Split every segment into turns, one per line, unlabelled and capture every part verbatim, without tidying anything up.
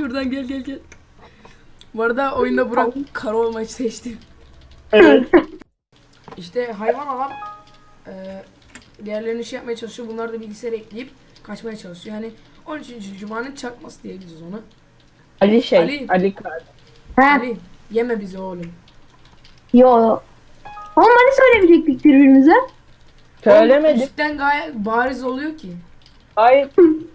şuradan gel gel gel. Bu arada oyunda Burak kara olmayı seçti.
Evet.
İşte hayvan alan e, diğerlerini şey yapmaya çalışıyor. Bunlar da bilgisayara ekleyip kaçmaya çalışıyor. Yani on üçüncü Cuma'nın çakması diyebiliriz onu.
Ali şey.
Ali.
Ali Kar.
He.
Ali yeme bizi oğlum.
Yo. Oğlum hani söylemeyecektik birbirimize?
Oğlum,
Söylemedim.
üstten gayet bariz oluyor ki.
Hayır.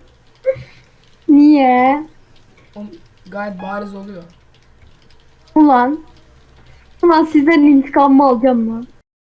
Niye?
Oğlum, gayet bariz oluyor.
Ulan. Ulan sizden intikamımı alacağım lan.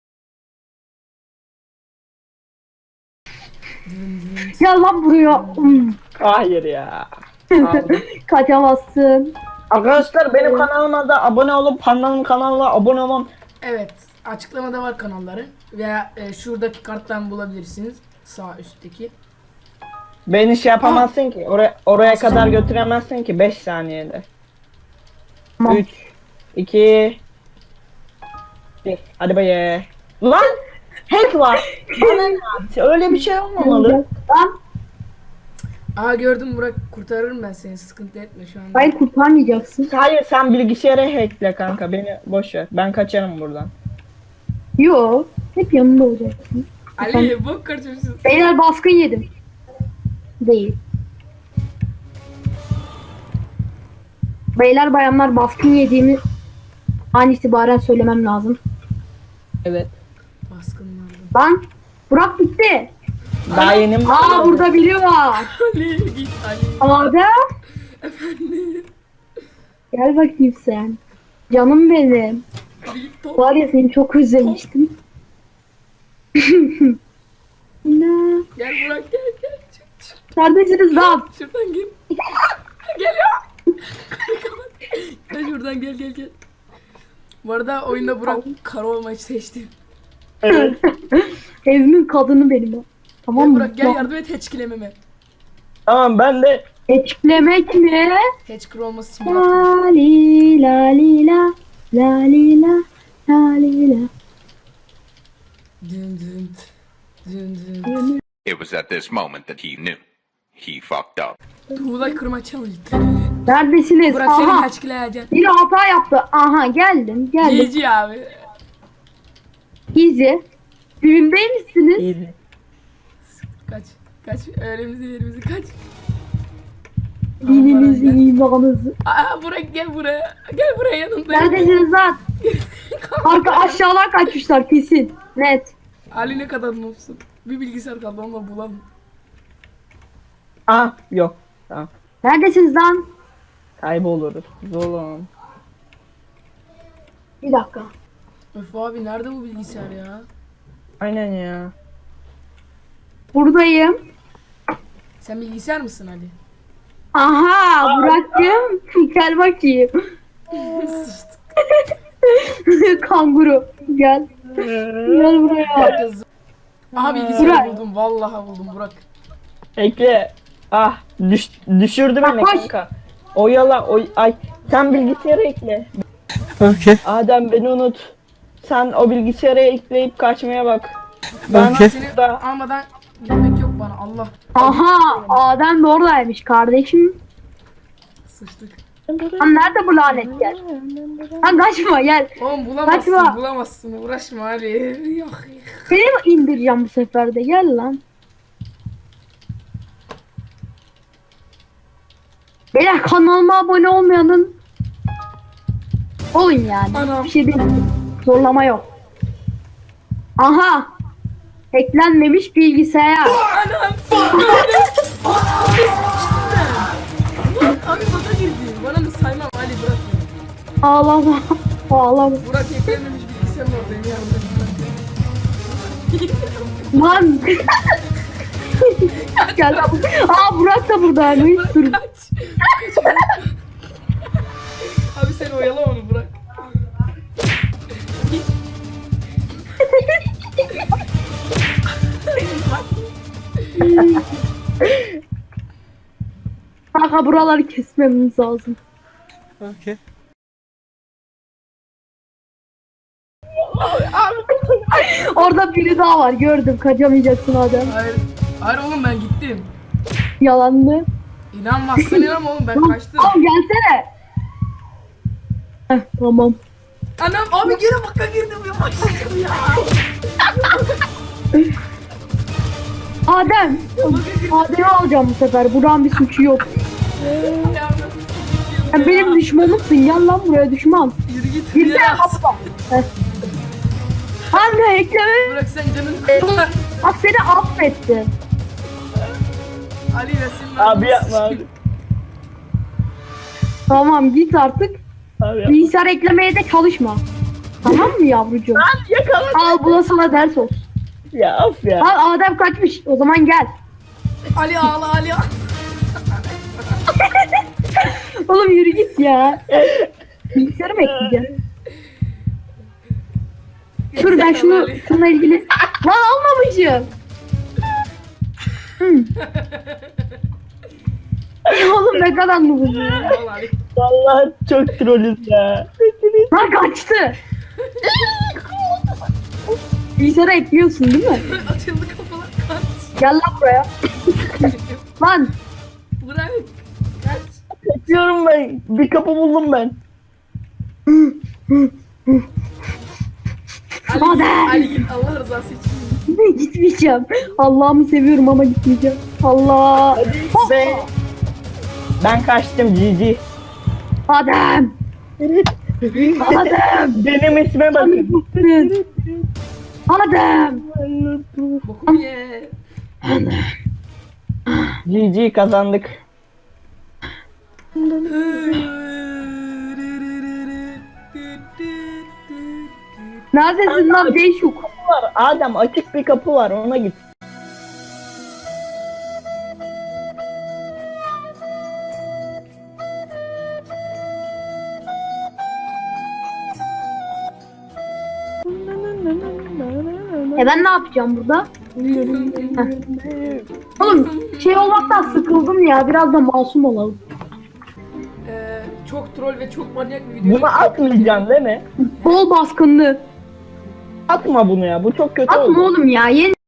Gel lan buraya. Hmm.
Hayır ya. Aldım.
Kaçamazsın.
Arkadaşlar benim kanalıma da abone olup Panda'nın kanalına abone olmam.
Evet, açıklamada var kanalları veya e, şuradaki karttan bulabilirsiniz, sağ üstteki.
Beni şey yapamazsın ki. Oraya oraya kadar götüremezsin ki beş saniyede.
Tamam.
üç iki bir. Hadi baye. Lan hack var. Bana ne yaptı? Öyle bir şey olmamalı.
Lan.
Aa gördüm Burak, kurtarırım ben seni, sıkıntı etme şu anda.
Hayır kurtarmayacaksın.
Hayır sen bilgisayara hackle kanka. Beni boş ver. Ben kaçarım buradan.
Yo. Hep yanında olacaksın.
Ali bok kaçırsın.
Beyler baskın yedim. Değil. Beyler bayanlar baskın yediğimi an itibaren söylemem lazım.
Evet.
Baskınlardı.
Lan. Burak bitti.
Daha yeni mi?
Aa burada biri var.
Ali git Ali.
Adem.
Efendim.
Gel bakayım sen. Canım benim.
Ali git top.
Var ya seni çok özlemiştim. Ne?
Gel Burak gel gel. Çık, çık.
Neredesiniz lan?
Şuradan gel. Geliyor. Kapat. Gel şuradan gel gel gel. Bu arada oyunda Burak kara olmayı seçti.
Evet.
Evimin kadını benim o. Tamam
Gel
mı?
Burak gel yardım et hatchkilememe.
Tamam ben de
Etkilemek mi?
Hatchkil olması simülatör.
La li la li la la li la la li la.
Dün dün dün dün.
It was at this moment that he knew. He fucked up.
Tuğla kırma challenge.
Neredesiniz?
Burak seni
Aha.
hatchkileyeceğim.
Biri hata yaptı. Aha geldim geldim.
Gezi abi.
Easy. Düğün değil misiniz?
iyiydi.
Kaç. Kaç. Öğremizi yerimizi kaç.
Dininizi, imanınızı.
Aa Burak gel buraya. Gel buraya yanındayım.
Neredesiniz lan? Arka aşağıdan kaçmışlar kesin. Net.
Ali ne kadar noobsun. Bir bilgisayar kaldı onunla bulamam.
Ah yok. Tamam.
Neredesiniz lan?
Kayboluruz. Oğlum.
Bir dakika.
Öf abi nerede bu bilgisayar ya?
Aynen ya.
Buradayım.
Sen bilgisayar mısın Ali?
Aha Burak'cığım. Gel bakayım.
Sıçtık.
Kanguru. Gel. Gel buraya.
Kız. Aha bilgisayarı
Burak.
buldum. Vallahi buldum Burak.
Ekle. Ah düş, düşürdü beni
Bak, koş.
kanka. Oyala oy ay sen bilgisayara ekle.
Okay.
Adem beni unut. Sen o bilgisayara ekleyip kaçmaya bak. Ben
Okey.
Seni
da
almadan gitmek yok bana Allah.
Aha Adem de oradaymış kardeşim.
Sıçtık.
Lan nerede bu lanet gel. Lan kaçma gel.
Oğlum bulamazsın
Kaçma.
bulamazsın uğraşma Ali. Yok.
Seni mi indireceğim bu sefer de gel lan. Beyler kanalıma abone olmayanın olun yani.
Anam.
Bir şey değil. Zorlama yok. Aha. Eklenmemiş bilgisayar.
Anam. Abi bana girdi. Bana mı saymam Ali bırak beni.
Ağlama. Ağlama.
Burak eklenmemiş bilgisayarın oradayım yanımda.
Lan. Gel lan. Aa Burak da buradaymış.
Burak
Dur.
kaç. Kaç. Abi sen oyala onu Burak.
Kanka buraları kesmemiz lazım.
Okay.
Orada biri daha var gördüm. Kaçamayacaksın Adem.
Hayır. Hayır oğlum ben gittim.
Yalanlı.
İnanmazsın inan oğlum ben kaçtım.
Tamam gelsene. Heh, tamam.
Anam abi geri baka girdim ya başladım ya.
Adem. Adem'i alacağım bu sefer. Buran bir suçu yok. Sen benim düşmanımsın. Gel lan buraya düşman.
Yürü git.
Girsene
ya.
kapıdan. Heh. Anne ekleme.
Bırak sen canın.
Bak seni affetti.
Ali resim.
Abi yapma abi.
Tamam git artık.
Abi yapma.
Bilgisayar eklemeye de çalışma. Tamam mı yavrucuğum?
Yakala.
Al bu da sana ders olsun.
Ya of ya.
Al Adem kaçmış. O zaman gel.
Ali ağla Ali ağla.
Oğlum yürü git ya. Bilgisayarı mı ekleyeceğim? Dur ben şunu şununla ilgili. Lan almamışım. Hı. Oğlum ne kadar nubuz ya.
Ağla Ali.
Vallahi çok trollüz ya.
Lan kaçtı. Bilgisayara ekliyorsun değil mi?
Açıldı kafalar kaç.
Gel lan buraya. Lan.
Bırak. Kaç.
Bekliyorum ben. Bir kapı buldum ben.
Ali,
Adem.
Ali git Allah rızası için.
Gitmeyeceğim. Allah'ımı seviyorum ama gitmeyeceğim. Allah.
Ve ben kaçtım Cici.
Adem. Adem.
Benim isme bakın.
Adem.
Bokum ye.
Cici kazandık.
Neredesin lan Değişuk?
Var. Adem açık bir kapı var ona git.
E ben ne yapacağım burada? Heh. Oğlum şey olmaktan sıkıldım ya. Biraz da masum olalım.
Ee, çok troll ve çok manyak bir video.
Bunu atmayacaksın değil mi?
Bol baskınlı.
Atma bunu ya. Bu çok kötü oldu.
Atma oğlum ya. Yeni